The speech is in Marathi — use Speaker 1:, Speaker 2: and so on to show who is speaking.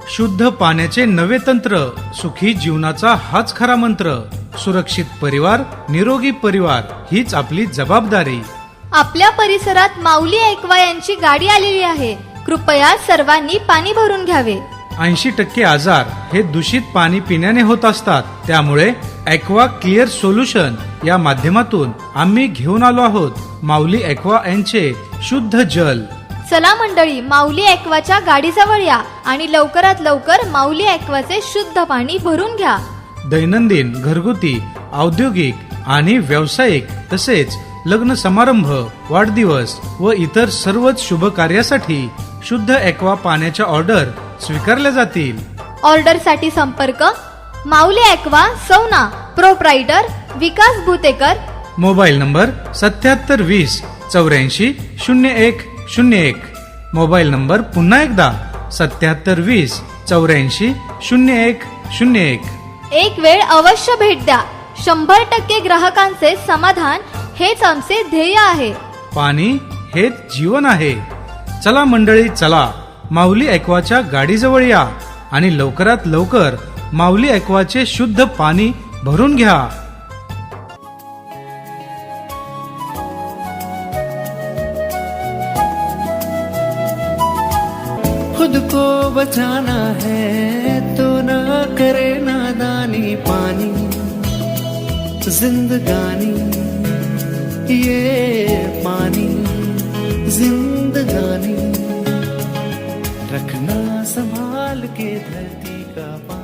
Speaker 1: शुद्ध पाण्याचे नवे तंत्र, सुखी जीवनाचा हाच खरा मंत्र. सुरक्षित परिवार, निरोगी परिवार हीच आपली जबाबदारी.
Speaker 2: आपल्या परिसरात माऊली एक्वा यांची गाडी आलेली आहे. कृपया सर्वांनी पाणी भरून घ्यावे.
Speaker 1: 80% आजार हे दूषित पाणी पिण्याने होत असतात. त्यामुळे एक्वा क्लिअर सोल्युशन या माध्यमातून आम्ही घेऊन आलो आहोत माऊली एक्वा यांचे शुद्ध जल.
Speaker 2: चला मंडळी, माऊली एक्वाच्या गाडीजवळ या आणि लवकरात लवकर माऊली एक्वाचे शुद्ध पाणी भरून घ्या.
Speaker 1: दैनंदिन, घरगुती, औद्योगिक आणि व्यावसायिक तसेच लग्न समारंभ, वाढदिवस व इतर सर्वच शुभ कार्यासाठी शुद्ध एक्वा पाण्याच्या ऑर्डर स्वीकारल्या जातील.
Speaker 2: ऑर्डरसाठी संपर्क Mauli aqua, sauna, proprietor Vikas Bhutekar.
Speaker 1: Mobile number 7720 84 0101. Mobile number पुन्हा एकदा 7720 84 0101.
Speaker 2: एक वेळ अवश्य भेट द्या. 100% ग्राहकांचे समाधान हेच आमचे ध्येय आहे.
Speaker 1: पाणी हेच जीवन आहे. चला मंडळी, चला माऊली एक्वाच्या गाडीजवळ या आणि लवकरात लवकर माऊली एक्वाचे शुद्ध पाणी भरून घ्या.
Speaker 3: खुद को बचाना है तो ना करे नादानी. पानी जिंदगानी, ये पानी जिंदगानी. रखना संभाल के धरती का पानी.